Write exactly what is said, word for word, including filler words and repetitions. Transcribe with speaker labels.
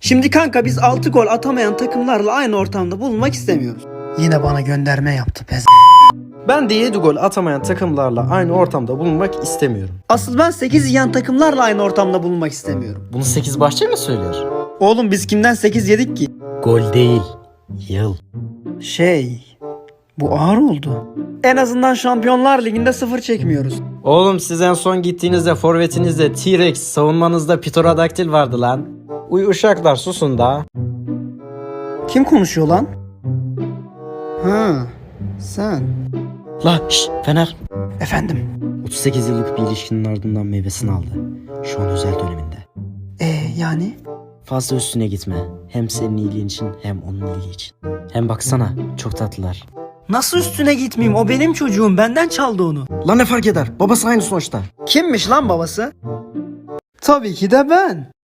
Speaker 1: Şimdi kanka biz altı gol atamayan takımlarla aynı ortamda bulunmak istemiyoruz.
Speaker 2: Yine bana gönderme yaptı pez.
Speaker 3: Ben de yedi gol atamayan takımlarla aynı ortamda bulunmak istemiyorum.
Speaker 1: Asıl ben sekiz yiyen takımlarla aynı ortamda bulunmak istemiyorum.
Speaker 3: Bunu sekiz Bahçe mi söylüyor?
Speaker 1: Oğlum biz kimden sekiz yedik ki?
Speaker 3: Gol değil, yıl.
Speaker 1: Şey... Bu ağır oldu. En azından Şampiyonlar Ligi'nde sıfır çekmiyoruz.
Speaker 3: Oğlum siz en son gittiğinizde forvetinizde T-Rex, savunmanızda Pterodaktil vardı lan. Uy uşaklar susun da.
Speaker 1: Kim konuşuyor lan? Ha, sen.
Speaker 3: La şşt Fener.
Speaker 1: Efendim.
Speaker 3: otuz sekiz yıllık bir ilişkinin ardından meyvesini aldı. Şu an özel döneminde.
Speaker 1: Ee yani?
Speaker 3: Fazla üstüne gitme. Hem senin iyiliğin için hem onun iyiliği için. Hem baksana çok tatlılar.
Speaker 1: Nasıl üstüne gitmeyeyim? O benim çocuğum. Benden çaldı onu.
Speaker 3: Lan ne fark eder? Babası aynı sonuçta.
Speaker 1: Kimmiş lan babası? Tabii ki de ben.